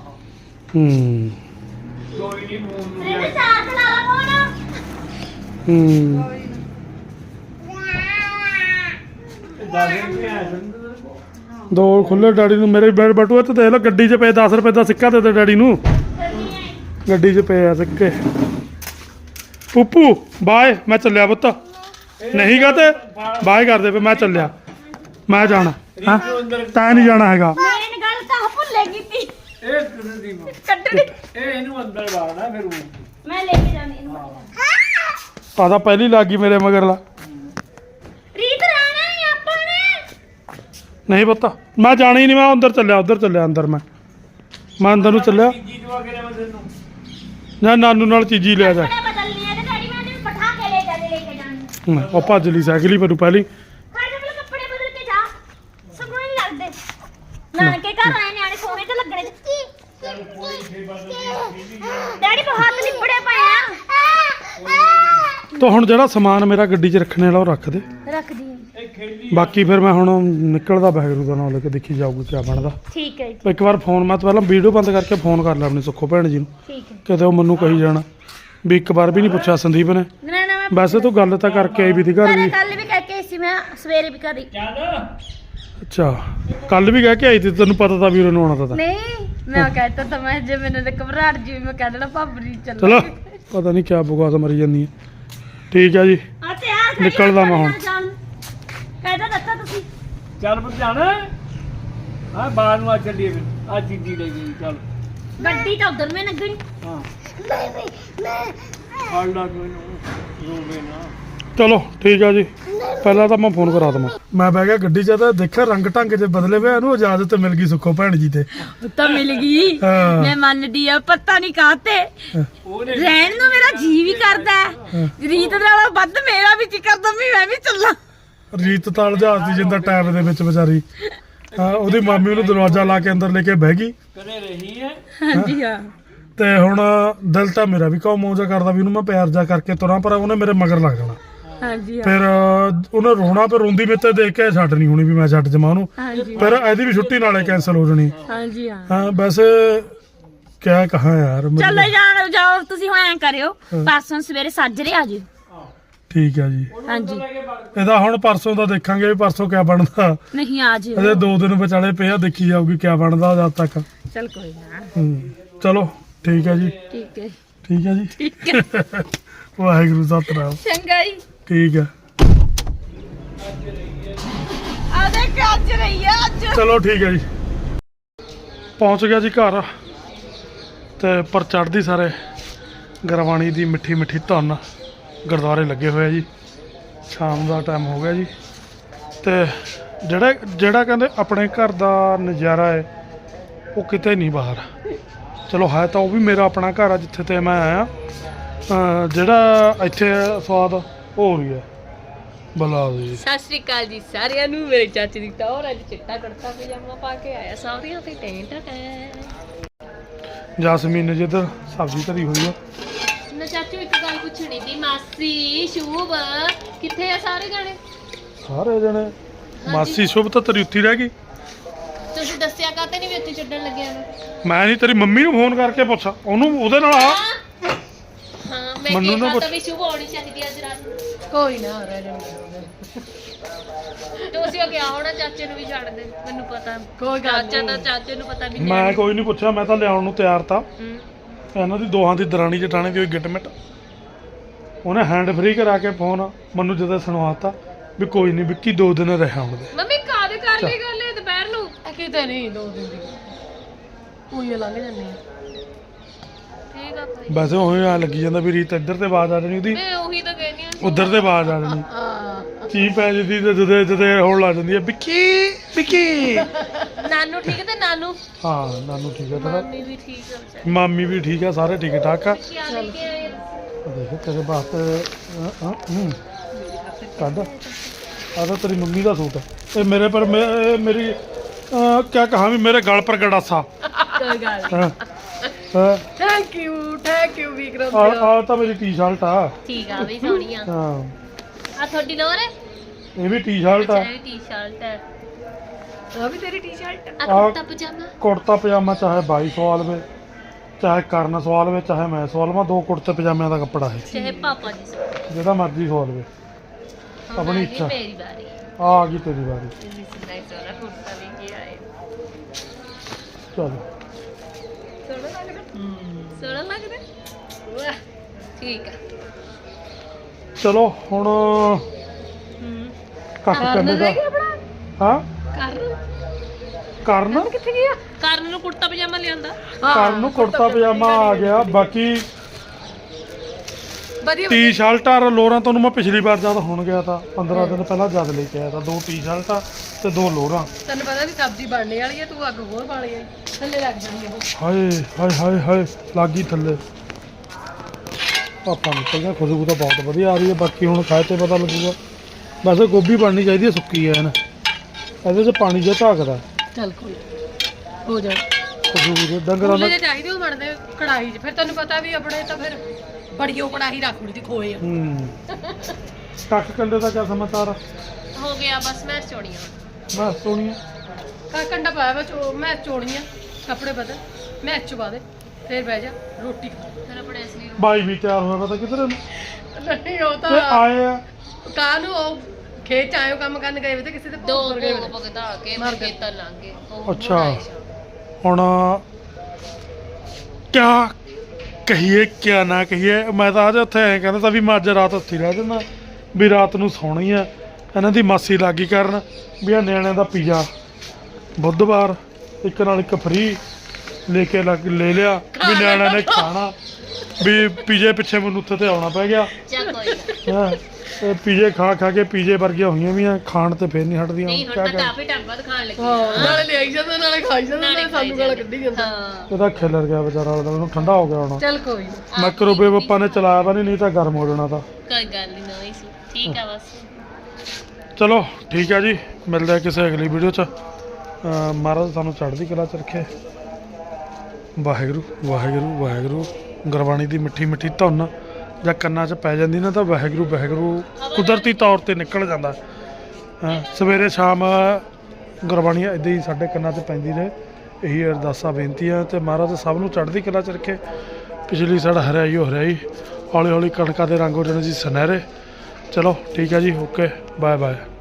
Speaker 3: ਕੋਈ ਨਹੀਂ ਮੂੰਹ ਨੂੰ
Speaker 2: ਸਰਿੰਦਰ ਚਾਰਜ ਲਾ ਲਾ ਫੋਨ
Speaker 1: ਹੂੰ
Speaker 3: ਦਾਦੇ ਵੀ ਆਇਆ ਸੀ
Speaker 1: ਦੋ ਖੁੱਲੇ ਡੈਡੀ ਨੂੰ ਮੇਰੇ ਬੈਡ ਬਟੂਆ ਤੇ ਦੇਖ ਲਓ ਗੱਡੀ 'ਚ ਪਏ ਦਸ ਰੁਪਏ ਦਾ ਸਿੱਕਾ ਦੇ ਦੇ ਡੈਡੀ ਨੂੰ ਗੱਡੀ 'ਚ ਪਏ ਆ ਸਿੱਕੇ ਪੁੱਪੂ ਬਾਏ ਮੈਂ ਚੱਲਿਆ ਪੁੱਤ ਨਹੀਂ ਗਾ ਤੇ ਬਾਏ ਕਰਦੇ ਪਏ ਮੈਂ ਚੱਲਿਆ ਮੈਂ ਜਾਣਾ ਹਾਂ ਤੈਂ ਨਹੀਂ ਜਾਣਾ ਹੈਗਾ
Speaker 2: ਮੇਨ ਗੱਲ ਤਾਂ ਭੁੱਲੇ ਕੀਤੀ
Speaker 3: ਇਹ ਕਿਹਨੇ ਦੀ ਮਾਂ?
Speaker 2: ਕੱਟਣੀ
Speaker 3: ਇਹ ਇਹਨੂੰ ਅੰਦਰ ਵਾੜਨਾ ਫਿਰ ਉਹ
Speaker 2: ਮੈਂ ਲੈ ਕੇ ਜਾਣੀ ਇਹਨੂੰ
Speaker 1: ਆਦਾ ਪਹਿਲੀ ਲੱਗ ਗਈ ਮੇਰੇ ਮਗਰ ਲਾ
Speaker 2: ਰੀਤ ਰਹਿਣਾ ਨਹੀਂ ਆਪਾਂ ਨੇ
Speaker 1: ਨਹੀਂ ਪੁੱਤ ਮੈਂ ਜਾਣਾ ਹੀ ਨਹੀਂ ਮੈਂ ਅੰਦਰ ਚੱਲਿਆ ਉੱਧਰ ਚੱਲਿਆ ਅੰਦਰ ਮੈਂ ਮੈਂ ਅੰਦਰ ਨੂੰ ਚੱਲਿਆ
Speaker 3: ਚੀਜ਼ੀ ਦਵਾ ਕੇ ਲਿਆਵਾਂ ਤੈਨੂੰ
Speaker 1: ਨਾ ਨਾਨੂ ਨਾਲ ਚੀਜ਼ੀ ਲਿਆ ਜਾ
Speaker 2: ਕੱਪੜੇ ਬਦਲਨੇ ਆ ਤੇ ਡੈਡੀ ਮੈਂ ਇਹਨੂੰ ਪਠਾ ਕੇ ਲੈ ਜਾ ਲੈ ਕੇ ਜਾਣੀ
Speaker 1: ਉਹ ਭੱਜ ਲਈ ਸਾਈਕਲ ਹੀ ਮੈਨੂੰ ਪਹਿਲੀ
Speaker 2: ਸਾਡੇ ਕੋਲ ਕੱਪੜੇ ਬਦਲ ਕੇ ਜਾ ਸਗੋਂ ਨਹੀਂ ਲੱਗਦੇ ਨਾਨਕੇ ਘਰ ਆਏ ਨਿਆਣੇ ਸੋਹਣੇ ਤੇ ਲੱਗਣੇ ਡੈਡੀ ਬਹੁਤ ਲਿਪੜੇ ਪਏ ਆ
Speaker 1: ਤਾਂ ਹੁਣ ਜਿਹੜਾ ਸਮਾਨ ਮੇਰਾ ਗੱਡੀ 'ਚ ਰੱਖਣੇ ਵਾਲਾ ਉਹ ਰੱਖ ਦੇ
Speaker 2: ਰੱਖਦੀ
Speaker 3: ਇਹ ਖੇਲੀ
Speaker 1: ਬਾਕੀ ਫਿਰ ਮੈਂ ਹੁਣ ਨਿਕਲਦਾ ਬੈਗਰੂ ਦਾ ਨਾਲ ਲੈ ਕੇ ਦੇਖੀ ਜਾਊਗੀ ਕਿਆ ਬਣਦਾ
Speaker 2: ਠੀਕ ਹੈ ਜੀ
Speaker 1: ਇੱਕ ਵਾਰ ਫੋਨ ਮੈਂ ਤਾਂ ਪਹਿਲਾਂ ਵੀਡੀਓ ਬੰਦ ਕਰਕੇ ਫੋਨ ਕਰ ਲਿਆ ਆਪਣੀ ਸੁੱਖੋ ਭੈਣ ਜੀ ਨੂੰ
Speaker 2: ਠੀਕ ਹੈ
Speaker 1: ਕਿਤੇ ਉਹ ਮੈਨੂੰ ਕਹੀ ਜਾਣਾ ਵੀ ਇੱਕ ਵਾਰ ਵੀ ਨਹੀਂ ਪੁੱਛਿਆ ਸੰਦੀਪ ਨੇ
Speaker 2: ਨਾ ਨਾ ਮੈਂ
Speaker 1: ਵੈਸੇ ਤੂੰ ਗੱਲ ਤਾਂ ਕਰਕੇ ਆਈ ਵੀ ਦੀ ਘਰ ਵੀ
Speaker 2: ਕੱਲ ਵੀ ਕਹਿ ਕੇ ਆਈ ਸੀ ਮੈਂ ਸਵੇਰੇ ਵੀ ਕਰੀ
Speaker 3: ਚੱਲ
Speaker 1: ਅੱਛਾ ਕੱਲ ਵੀ ਕਹਿ ਕੇ ਆਈ ਤੇ ਤੈਨੂੰ ਪਤਾ ਤਾਂ ਵੀਰ ਨੂੰ ਆਉਣਾ ਤਾਂ
Speaker 2: ਨਹੀਂ ਮੈਂ ਕਹਿਤਾ ਤਾਂ ਮੈਂ ਜੇ ਮੈਨੂੰ ਤਾਂ ਘਬਰਾਹਟ ਜੀ ਮੈਂ ਕਹਿ ਦੇਣਾ ਭਾਬਰੀ ਚੱਲ
Speaker 1: ਚਲੋ ਪਤਾ ਨਹੀਂ ਕਿਆ ਬਗਵਾਸ ਮਰੀ ਜਾਂਦੀ ਹੈ ਠੀਕ ਹੈ ਜੀ
Speaker 2: ਆ ਤੇ ਯਾਰ
Speaker 1: ਨਿਕਲਦਾ ਮੈਂ ਹੁਣ।
Speaker 2: ਕਹਿਦਾ ਦੱਸਾ ਤੁਸੀਂ
Speaker 3: ਚੱਲ ਪੁੱਤ ਜਾਣਾ ਹਾਂ ਬਾਹਰ ਨੂੰ ਆ ਚੱਲੀਏ ਫਿਰ ਆ ਚੀਜ਼ੀ ਲੈ ਗਈ ਚੱਲ
Speaker 2: ਗੱਡੀ ਤਾਂ ਉਧਰ ਮੈਂ ਲੱਗਣੀ
Speaker 3: ਹਾਂ
Speaker 2: ਨਹੀਂ ਨਹੀਂ ਮੈਂ
Speaker 3: ਫੜ ਲਾ ਮੈਨੂੰ ਰੋਵੇ ਨਾ
Speaker 1: ਚਲੋ ਠੀਕ ਆ ਜੀ ਪਹਿਲਾਂ ਤਾਂ ਮੈਂ ਫੋਨ ਕਰਾ ਦਵਾਂ ਮੈਂ ਬਹਿ ਗਿਆ ਗੱਡੀ 'ਚ ਤਾਂ ਦੇਖਿਆ ਰੰਗ ਢੰਗ 'ਚ ਬਦਲੇ ਵੇ ਇਹਨੂੰ ਇਜਾਜ਼ਤ ਮਿਲ ਗਈ ਸੁੱਖੋ ਭੈਣ ਜੀ ਤੇ
Speaker 2: ਤਾਂ ਮਿਲ ਗਈ
Speaker 1: ਹਾਂ।
Speaker 2: ਮੈਂ ਮੰਨਦੀ ਆ ਪਤਾ ਨਹੀਂ ਕਾਤੇ
Speaker 3: ਉਹਨੇ
Speaker 2: ਰਹਿਣ ਨੂੰ ਮੇਰਾ ਜੀ ਵੀ ਕਰਦਾ ਹੈ। ਰੀਤ ਨਾਲੋਂ ਵੱਧ ਮੇਰਾ ਵੀ ਜੀ ਕਰਦਾ ਵੀ ਮੈਂ ਵੀ ਚੱਲਾਂ
Speaker 1: ਰੀਤ ਤਾਲ ਜਹਾਜ਼ ਦੀ ਜਿੰਦਾ ਟਾਇਰ ਦੇ ਵਿੱਚ ਵਿਚਾਰੀ ਹਾਂ ਉਹਦੀ ਮਾਮੀ ਉਹਨੂੰ ਦਰਵਾਜ਼ਾ ਲਾ ਕੇ ਅੰਦਰ ਲੈ ਕੇ ਬਹਿ ਗਈ
Speaker 3: ਕਰੇ ਰਹੀ ਹੈ
Speaker 2: ਹਾਂਜੀ ਹਾਂ
Speaker 1: ਤੇ ਹੁਣ ਦਿਲ ਤਾਂ ਮੇਰਾ ਵੀ ਕੌਮ ਮੋਜਾ ਕਰਦਾ ਵੀ ਉਹਨੂੰ ਮੈਂ ਪਿਆਰ ਜਾ ਕਰਕੇ ਤੁਰਾਂ ਪਰ ਉਹਨੇ ਮੇਰੇ ਮਗਰ ਲੱਗ ਜਾਣਾ
Speaker 2: ਹਾਂਜੀ ਹਾਂ
Speaker 1: ਫਿਰ ਉਹਨੇ ਰੋਣਾ ਪਰ ਰੋਂਦੀ ਮੇਰੇ ਤੇ ਦੇਖ ਕੇ ਛੱਡ ਨਹੀਂ ਹੋਣੀ ਵੀ ਮੈਂ ਛੱਡ ਜਮਾ ਉਹਨੂੰ
Speaker 2: ਹਾਂਜੀ
Speaker 1: ਫਿਰ ਇਹਦੀ ਵੀ ਛੁੱਟੀ ਨਾਲੇ ਕੈਨਸਲ ਹੋ ਜਾਣੀ
Speaker 2: ਹਾਂਜੀ ਹਾਂ
Speaker 1: ਹਾਂ ਵੈਸੇ ਕਿਆ ਕਹਾਂ ਯਾਰ ਮੈਨੂੰ-
Speaker 2: ਚੱਲੋ ਜਾਣ ਜਾਓ ਤੁਸੀਂ ਹੁਣ ਐਂ ਕਰਿਓ ਪਰਸੋਂ ਸਵੇਰੇ ਸਾਜਰੇ ਆ ਜਿਓ
Speaker 1: ਠੀਕ ਹੈ ਜੀ
Speaker 2: ਹਾਂਜੀ
Speaker 1: ਇਹਦਾ ਹੁਣ ਪਰਸੋਂ ਦਾ ਦੇਖਾਂਗੇ ਵੀ ਪਰਸੋਂ ਕਿਆ ਬਣਦਾ
Speaker 2: ਨਹੀਂ ਆ ਜਿਓ
Speaker 1: ਇਹਦੇ ਦੋ ਦਿਨ ਵਿਚਾਲੇ ਪਿਆ ਦੇਖੀ ਜਾਊਗੀ ਕਿਆ ਬਣਦਾ ਜਦ ਤੱਕ
Speaker 2: ਚੱਲ ਕੋਈ ਨਾ
Speaker 1: ਹੂੰ ਚਲੋ ਠੀਕ ਹੈ ਜੀ
Speaker 2: ਠੀਕ ਹੈ
Speaker 1: ਠੀਕ ਹੈ ਜੀ
Speaker 2: ਠੀਕ ਹੈ
Speaker 1: ਵਾਹਿਗੁਰੂ ਸਤਿਨਾਮ
Speaker 2: ਚੰਗਾ ਜੀ
Speaker 1: ਠੀਕ ਹੈ
Speaker 2: ਆ ਦੇਖ ਅੱਜ ਰਹੀ ਆ ਅੱਜ
Speaker 1: ਚਲੋ ਠੀਕ ਹੈ ਜੀ ਪਹੁੰਚ ਗਿਆ ਜੀ ਘਰ ਤੇ ਪਰ ਚੜ੍ਹਦੀ ਸਾਰੇ ਗਰਵਾਣੀ ਦੀ ਮਿੱਠੀ ਮਿੱਠੀ ਧੁੰਨ ਗੁਰਦੁਆਰੇ ਲੱਗੇ ਹੋਏ ਆ ਜੀ ਸ਼ਾਮ ਦਾ ਟਾਈਮ ਹੋ ਗਿਆ ਜੀ ਤੇ ਜਿਹੜਾ ਜਿਹੜਾ ਕਹਿੰਦੇ ਆਪਣੇ ਘਰ ਦਾ ਨਜ਼ਾਰਾ ਹੈ ਉਹ ਕਿਤੇ ਨਹੀਂ ਬਾਹਰ ਚਲੋ ਹੈ ਤਾਂ ਉਹ ਵੀ ਮੇਰਾ ਆਪਣਾ ਘਰ ਆ ਜਿੱਥੇ ਤੇ ਮੈਂ ਆਇਆ ਅਹ ਜਿਹੜਾ ਇੱਥੇ ਸਵਾਦ ਉਹ ਹੋ ਰਹੀ ਹੈ ਬਲਾ ਜੀ
Speaker 4: ਸਤਿ ਸ਼੍ਰੀ ਅਕਾਲ ਜੀ ਸਾਰਿਆਂ ਨੂੰ ਮੇਰੇ ਚਾਚੇ ਦੀ ਟੌਰ ਅੱਜ ਚਿੱਟਾ ਕੁੜਤਾ ਪਜਾਮਾ ਪਾ ਕੇ ਆਇਆ ਸਾਰਿਆਂ ਤੇ ਟੈਂਟ ਟੈ
Speaker 1: ਜਾਸਮੀਨ ਨੇ ਜਿੱਧਰ ਸਬਜ਼ੀ ਧਰੀ ਹੋਈ ਆ
Speaker 4: ਨਾ ਚਾਚੂ ਇੱਕ ਗੱਲ ਪੁੱਛਣੀ ਸੀ ਮਾਸੀ ਸ਼ੂਭ ਕਿੱਥੇ ਆ ਸਾਰੇ ਜਾਣੇ
Speaker 1: ਸਾਰੇ ਜਣੇ ਮਾਸੀ ਸ਼ੁਭ ਤਾਂ ਤੇਰੀ ਉੱਥੇ ਹੀ ਰਹਿ ਗਈ
Speaker 4: ਤੁਸੀਂ ਦੱਸਿਆ ਕਾਤੇ ਨਹੀਂ ਵੀ ਉੱਥੇ ਛੱਡਣ ਲੱਗਿਆ ਨੂੰ
Speaker 1: ਮੈਂ ਨਹੀਂ ਤੇਰੀ ਮੰਮੀ ਨੂੰ ਫੋਨ ਕਰਕੇ ਪੁੱਛਾਂ ਉਹਨੂੰ ਉਹਦੇ ਨਾਲ ਆ
Speaker 4: ਹਾਂ ਮੈਂ
Speaker 1: ਮੈਨੂੰ ਨਾ
Speaker 4: ਕਿਹਾ ਤਾਂ
Speaker 1: ਪੁੱਛ-
Speaker 4: ਵੀ ਸ਼ੂਭ ਆਉਣੀ ਚਾਹੀਦੀ ਅੱਜ ਰਾਤ ਨੂੰ
Speaker 2: ਕੋਈ ਨਾ ਰਹਿ ਜਾਣਾ
Speaker 4: ਤੁਸੀਂ ਉਹ ਕਿਹਾ ਹੋਣਾ ਚਾਚੇ ਨੂੰ ਵੀ ਛੱਡ ਦੇ ਮੈਨੂੰ ਪਤਾ
Speaker 2: ਕੋਈ ਗੱਲ
Speaker 4: ਚਾਚਾ ਤਾਂ ਚਾਚੇ ਨੂੰ ਪਤਾ ਵੀ
Speaker 1: ਮੈਂ ਕੋਈ ਨਹੀਂ ਪੁੱਛਿਆ ਮੈਂ ਤਾਂ ਲਿਆਉਣ ਨੂੰ ਤਿਆਰ ਤਾਂ
Speaker 4: ਹੂੰ।
Speaker 1: ਇਹਨਾਂ ਦੀ ਦੋਹਾਂ ਦੀ ਦਰਾਣੀ ਜਠਾਣੀ ਦੀ ਹੋਈ ਗਿਟਮਿਟ ਉਹਨੇ ਹੈਂਡ ਫ੍ਰੀ ਕਰਾ ਕੇ ਫੋਨ ਮੈਨੂੰ ਜਦੋਂ ਸੁਣਵਾਤਾ ਵੀ ਕੋਈ ਨਹੀਂ ਵਿੱਕੀ ਦੋ ਦਿਨ ਰਹਿ ਆਉਣ ਦੇ
Speaker 4: ਮੰਮੀ ਕਾਹਦੇ ਕਰ ਲਈ ਗੱਲ ਇਹ ਦੁਪਹਿਰ ਨੂੰ
Speaker 2: ਕਿਤੇ ਨਹੀਂ ਦੋ ਦਿਨ ਦੀ ਉਹੀ ਲੰਘ ਜਾਂਦੇ ਆ
Speaker 4: ਠੀਕ ਆ ਭਾਈ
Speaker 1: ਵੈਸੇ ਉਹ ਆ ਲੱਗੀ ਜਾਂਦਾ ਵੀ ਰੀਤ ਇੱਧਰ ਤੇ ਆਵਾਜ਼ ਆ ਜਾਣੀ ਉਹਦੀ
Speaker 4: ਮੈਂ ਉਹੀ ਤਾਂ ਕਹਿੰਦੀ ਹਾਂ
Speaker 1: ਉੱਧਰ ਤੇ ਆਵਾਜ਼ ਆ ਜਾਣੀ ਚੀ ਪੈ ਜਾਂਦੀ ਤੇ ਜਦੇ ਜਦੇ ਹੋਣ ਲੱਗ ਜਾਂਦੀ ਹੈ ਵਿੱਕੀ ਵਿੱਕੀ
Speaker 4: ਨਾਨੂ ਠੀਕ ਤੇ ਨਾਨੂ
Speaker 1: ਹਾਂ ਨਾਨੂ ਠੀਕ ਹੈ ਤੇਰਾ
Speaker 4: ਮੰਮੀ ਵੀ ਠੀਕ ਆ ਵਿਚਾਰੀ
Speaker 1: ਮਾਮੀ ਵੀ ਠੀਕ ਆ ਸਾਰੇ ਠੀਕ ਠਾਕ ਆ
Speaker 4: ਕੀ ਲੈ ਕੇ ਆਏ
Speaker 1: ਆ ਦੇਖ ਤੇਰੇ ਵਾਸਤੇ ਅਹ, ਅਹ, ਹੂੰ ਕੱਢ ਆ ਤਾਂ ਤੇਰੀ ਮੰਮੀ ਦਾ ਸੂਟ ਹੈ ਇਹ ਮੇਰੇ ਪਰ ਮੇ- ਇਹ ਮੇਰੀ ਅਹ, ਕਿਆ ਕਹਾਂ ਵੀ ਮੇਰੇ ਗਲ ਪਰ ਗੜਾਸਾ
Speaker 2: ਕੋਈ ਗੱਲ
Speaker 1: ਹਾਂ ਹਾਂ
Speaker 2: thank you thank you Vikram
Speaker 1: ਆ ਆ ਤਾਂ ਮੇਰੀ ਟੀ-ਸ਼ਰਟ ਆ
Speaker 4: ਠੀਕ ਆ ਵੀ ਸੋਹਣੀ ਆ
Speaker 1: ਹਾਂ
Speaker 4: ਆ ਤੁਹਾਡੀ ਲੋਰ ਹੈ
Speaker 1: ਇਹ ਵੀ ਟੀ-ਸ਼ਰਟ ਆ
Speaker 4: ਇਹ ਟੀ-ਸ਼ਰਟ ਹੈ
Speaker 2: ਆ ਵੀ ਤੇਰੀ ਟੀ-ਸ਼ਰਟ
Speaker 4: ਆ ਕੁੜਤਾ ਪਜਾਮਾ
Speaker 1: ਕੁੜਤਾ ਪਜਾਮਾ ਚਾਹੇ ਬਾਈ ਸੌ ਲਵੇ ਚਾਹੇ ਕਰਨ ਸੌ ਲਵੇ ਚਾਹੇ ਮੈਂ ਸੌ ਲਵਾਂ ਦੋ ਕੁੜਤੇ ਪਜਾਮਿਆਂ ਦਾ ਕੱਪੜਾ ਹੈ
Speaker 4: ਚਾਹੇ ਪਾਪਾ ਜੀ ਸੋ
Speaker 1: ਜਿਹੜਾ ਮਰਜ਼ੀ ਸੌ ਲਵੇ ਆਪਣੀ ਇੱਛਾ
Speaker 4: ਮੇਰੀ ਵਾਰੀ
Speaker 1: ਆ ਗਈ ਤੇਰੀ ਵਾਰੀ।
Speaker 4: ਨਹੀਂ ਸੋਹਣਾ ਕੁੜਤਾ ਲੈ ਕੇ ਆਏ।
Speaker 1: ਚਲੋ
Speaker 4: ਸੋਹਣਾ ਲੱਗਦਾ ਸੋਹਣਾ ਲੱਗਦਾ ਵਾਹ ਠੀਕ ਆ।
Speaker 1: ਚਲੋ ਹੁਣ
Speaker 4: ਹੂੰ
Speaker 1: ਕੱਖ ਕੰਡੇ ਦਾ
Speaker 4: ਆਪਣਾ
Speaker 1: ਹਾਂ
Speaker 4: ਕਰਨ
Speaker 1: ਕਰਨ
Speaker 4: ਕਿੱਥੇ ਗਿਆ? ਕਰਨ ਨੂੰ ਕੁੜਤਾ ਪਜਾਮਾ ਲਿਆਂਦਾ।
Speaker 1: ਕਰਨ ਨੂੰ ਕੁੜਤਾ ਪਜਾਮਾ ਆ ਗਿਆ। ਬਾਕੀ
Speaker 4: ਵਧੀਆ
Speaker 1: ਟੀ-ਸ਼ਰਟਾਂ ਔਰ ਲੋਰਾਂ ਤੁਹਾਨੂੰ ਮੈਂ ਪਿਛਲੀ ਵਾਰ ਜਦ ਹੁਣ ਗਿਆ ਤਾਂ ਪੰਦਰਾਂ ਦਿਨ ਪਹਿਲਾਂ ਜਦ ਲੈ ਕੇ ਆਇਆ ਤਾਂ ਦੋ ਟੀ-ਸ਼ਰਟਾਂ ਤੇ ਦੋ ਲੋਰਾਂ।
Speaker 4: ਤੈਨੂੰ ਪਤਾ ਵੀ ਸਬਜ਼ੀ ਬਣਨੇ ਵਾਲੀ ਹੈ ਤੂੰ ਅੱਗ ਹੋਰ ਬਾਲੀ ਹੈ ਥੱਲੇ ਲੱਗ ਜਾਣੀ ਉਹ।
Speaker 1: ਹਾਏ ਹਾਏ ਹਾਏ ਹਾਏ ਲੱਗੀ ਥੱਲੇ। ਪਾਪਾ ਨਿਕਲ ਗਿਆ। ਖੁਸ਼ਬੂ ਤਾਂ ਬਹੁਤ ਵਧੀਆ ਆ ਰਹੀ ਹੈ। ਬਾਕੀ ਹੁਣ ਖਾਏ ਤੇ ਪਤਾ ਲੱਗੂਗਾ। ਵੈਸੇ ਗੋਭੀ ਬਣਨੀ ਚਾਹੀਦੀ ਹੈ ਸੁੱਕੀ ਐਨ। ਇਹਦੇ 'ਚ ਪਾਣੀ ਜਿਹਾ ਝਾਕਦਾ।
Speaker 4: ਚੱਲ ਕੋਈ ਹੋ ਜਾ
Speaker 1: ਖੁਸ਼ਬੂ ਦੇ ਡੰਗਰਾਂ ਦਾ
Speaker 4: ਉਹਨੇ ਚਾਹੀਦੇ ਉਹ ਬਣਦੇ ਕੜਾਹੀ 'ਚ। ਫਿਰ ਤੈਨੂੰ ਪਤਾ ਵੀ ਆਪਣੇ ਤਾਂ ਫਿਰ ਬੜੀ ਉਹ ਕੜਾਹੀ ਰੱਖ ਲਈ ਦੀ ਖੋਏ ਆ।
Speaker 1: ਹੂੰ ਕੱਖ ਕੰਡੇ ਦਾ ਕਿਆ ਸਮਾਚਾਰ ਆ?
Speaker 4: ਹੋ ਗਿਆ ਬਸ ਮੈਂ ਚੋਣੀਆਂ
Speaker 1: ਮੈਂ ਸੋਹਣੀ
Speaker 4: ਕਾ ਕੰਡਾ ਪਾਇਆ ਵਾ ਚੋ ਮੈਂ ਚੋਣੀਆਂ ਕੱਪੜੇ ਬਦਲ ਮੈਂ ਚੁਬਾ ਦੇ ਫਿਰ ਬਹਿ ਜਾ ਰੋਟੀ ਖਾ ਫਿਰ ਆਪਣੇ ਅਸਲੀ
Speaker 1: ਬਾਈ ਵੀ ਤਿਆਰ ਹੋਇਆ ਪਤਾ ਕਿਧਰ ਨੂੰ
Speaker 4: ਨਹੀਂ ਉਹ
Speaker 1: ਤੇ
Speaker 4: ਤਾਂ
Speaker 1: ਆਏ ਆ।
Speaker 4: ਕਾਹ ਨੂੰ ਉਹ ਖੇਤ 'ਚ ਆਇਓ ਕੰਮ ਕਰਨ ਗਏ ਵੇ ਤੇ ਕਿਸੇ ਦੇ
Speaker 2: ਦੋ
Speaker 4: ਭੋਗ ਗਏ ਵੇ
Speaker 2: ਭੋਗ ਭਗਤਾ ਕੇ
Speaker 4: ਮਰ ਗਏ।
Speaker 2: ਖੇਤਾਂ ਲਾਂਗੇ
Speaker 1: ਅੱਛਾ ਹੁਣ ਕਿਆ ਕਹੀਏ ਕਿਆ ਨਾ ਕਹੀਏ। ਮੈਂ ਤਾਂ ਅੱਜ ਉੱਥੇ ਐਂ ਕਹਿੰਦਾ ਤਾਂ ਵੀ ਮੈਂ ਅੱਜ ਰਾਤ ਉੱਥੇ ਰਹਿ ਜਾਂਦਾ ਵੀ ਰਾਤ ਨੂੰ ਸੌਣਾ ਹੀ ਆ। ਇਹਨਾਂ ਦੀ ਮਾਸੀ ਲੱਗੀ ਕਰਨ ਵੀ ਆ ਨਿਆਣਿਆਂ ਦਾ ਪੀਜ਼ਾ ਬੁੱਧਵਾਰ ਇੱਕ ਨਾਲ ਇੱਕ ਫ੍ਰੀ ਲੈ ਕੇ ਲੱਗ ਲੈ ਲਿਆ ਵੀ ਨਿਆਣਿਆਂ ਨੇ ਖਾਣਾ ਵੀ ਪੀਜ਼ੇ ਪਿੱਛੇ ਮੈਨੂੰ ਉੱਥੇ ਤੇ ਆਉਣਾ ਪੈ ਗਿਆ।
Speaker 2: ਚੱਲ ਕੋਈ ਨਾ।
Speaker 1: ਹਾਂ ਤੇ ਪੀਜ਼ੇ ਖਾ ਖਾ ਕੇ ਪੀਜ਼ੇ ਵਰਗੀਆਂ ਹੋਈਆਂ ਵੀ ਆ। ਖਾਣ ਤੇ ਫੇਰ ਨਹੀਂ ਹਟਦੀਆਂ।
Speaker 2: ਨਹੀਂ ਹੁਣ
Speaker 1: ਕਿਆ
Speaker 2: ਤਾਂ
Speaker 1: ਕਰਾਂ।
Speaker 2: ਕਾਫੀ ਟਾਈਮ ਬਾਅਦ ਖਾਣ ਲੱਗੀ
Speaker 4: ਹਾਂ ਨਾਲੇ ਲਿਆਈ ਜਾਂਦਾ ਨਾਲੇ ਖਾਈ ਜਾਂਦਾ
Speaker 2: ਨਾਲੇ
Speaker 4: ਨਾਲੇ ਸਾਨੂੰ ਗਾਲਾਂ ਕੱਢੀ ਜਾਂਦਾ।
Speaker 2: ਹਾਂ
Speaker 1: ਇਹਦਾ ਖਿਲਰ ਗਿਆ ਵਿਚਾਰਾ। ਉਹਨੂੰ ਠੰਡਾ ਹੋ ਗਿਆ ਹੁਣ।
Speaker 4: ਚੱਲ ਕੋਈ ਨੀ।
Speaker 1: ਮਾਈਕ੍ਰੋਵੇਵ ਆਪਾਂ ਨੇ ਚਲਾਇਆ ਵਾ ਨਹੀਂ ਨਹੀਂ ਤਾਂ ਗਰਮ ਹੋ ਜਾਣਾ ਤਾਂ।
Speaker 2: ਕੋਈ ਗੱਲ ਨਹੀਂ ਨੋਈ ਸੀ ਠੀਕ ਆ ਬਸ।
Speaker 1: ਚਲੋ ਠੀਕ ਆ ਜੀ। ਮਿਲਦੇ ਆ ਕਿਸੇ ਅਗਲੀ ਵੀਡੀਓ 'ਚ। ਅਹ ਮਹਾਰਾਜ ਤੁਹਾਨੂੰ ਚੜ੍ਹਦੀ ਕਲਾ 'ਚ ਰੱਖੇ। ਵਾਹਿਗੁਰੂ ਵਾਹਿਗੁਰੂ ਵਾਹਿਗੁਰੂ। ਗੁਰਬਾਣੀ ਦੀ ਮਿੱਠੀ ਮਿੱਠੀ ਧੁਨ ਜਾਂ ਕੰਨਾਂ 'ਚ ਪੈ ਜਾਂਦੀ ਨਾ ਤਾਂ ਵਾਹਿਗੁਰੂ ਵਾਹਿਗੁਰੂ ਕੁਦਰਤੀ ਤੌਰ 'ਤੇ ਨਿਕਲ ਜਾਂਦਾ। ਹਾਂ ਸਵੇਰੇ ਸ਼ਾਮ ਗੁਰਬਾਣੀ ਇੱਦਾਂ ਹੀ ਸਾਡੇ ਕੰਨਾਂ 'ਚ ਪੈਂਦੀ ਰਹੇ। ਇਹੀ ਅਰਦਾਸਾਂ ਬੇਨਤੀਆਂ ਤੇ ਮਹਾਰਾਜ ਸਭ ਨੂੰ ਚੜ੍ਹਦੀ ਕਲਾ 'ਚ ਰੱਖੇ। ਪਿਛਲੀ ਸਾਡਾ ਹਰਿਆਈ ਹੋ ਹਰਿਆਈ ਹੌਲੀ ਹੌਲੀ ਕਣਕਾਂ ਦੇ ਰੰਗ ਹੋ ਜਾਣੇ ਜੀ ਸੁਨਹਿਰੇ। ਚਲੋ ਠੀਕ ਹੈ ਜੀ ਓਕੇ ਬਾਏ ਬਾਏ।